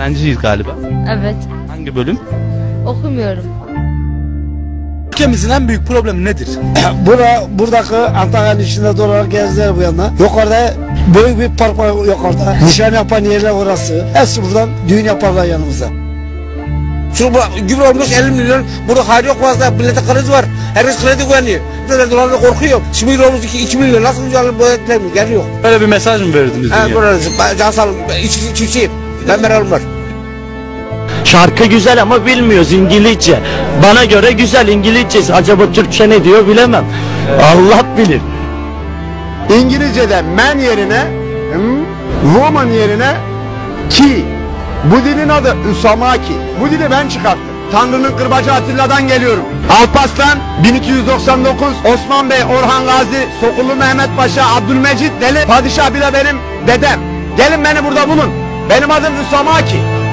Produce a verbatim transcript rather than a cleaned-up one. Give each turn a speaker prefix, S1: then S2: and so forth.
S1: Öğrenciyiz galiba.
S2: Evet.
S1: Hangi bölüm?
S2: Okumuyorum.
S1: Ülkemizin en büyük problemi nedir?
S3: Bura, buradaki Antalya'nın içinde dolar gezdiler bu yana. Yukarıda büyük bir park var yukarıda. Nişan yapan yerler orası. Hepsi buradan düğün yaparlar yanımıza.
S4: Şu gübre olmuş elli milyon. Burada hayır yok fazla. Millete kredi var. Herkes kredi güveniyor. Dolarla korkuyor. Şimdi olmuş iki milyon. Nasıl mücadele bu etlemiyor? Gel yok.
S1: Böyle bir mesaj mı verdiniz?
S4: Ha burası. Can sağ olun. İç, iç, içeyim. Ben meralım var.
S5: Şarkı güzel ama bilmiyoruz İngilizce. Bana göre güzel İngilizcesi. Acaba Türkçe ne diyor bilemem. Allah bilir.
S6: İngilizce'de man yerine hmm, woman yerine ki. Bu dilin adı Usamaki. Bu dili ben çıkarttım. Tanrı'nın kırbacı Atilla'dan geliyorum. Alparslan bin iki yüz doksan dokuz, Osman Bey, Orhan Gazi, Sokullu Mehmet Paşa, Abdülmecit Deli, Padişah bile benim dedem. Gelin beni burada bulun. Benim adım Usamaki.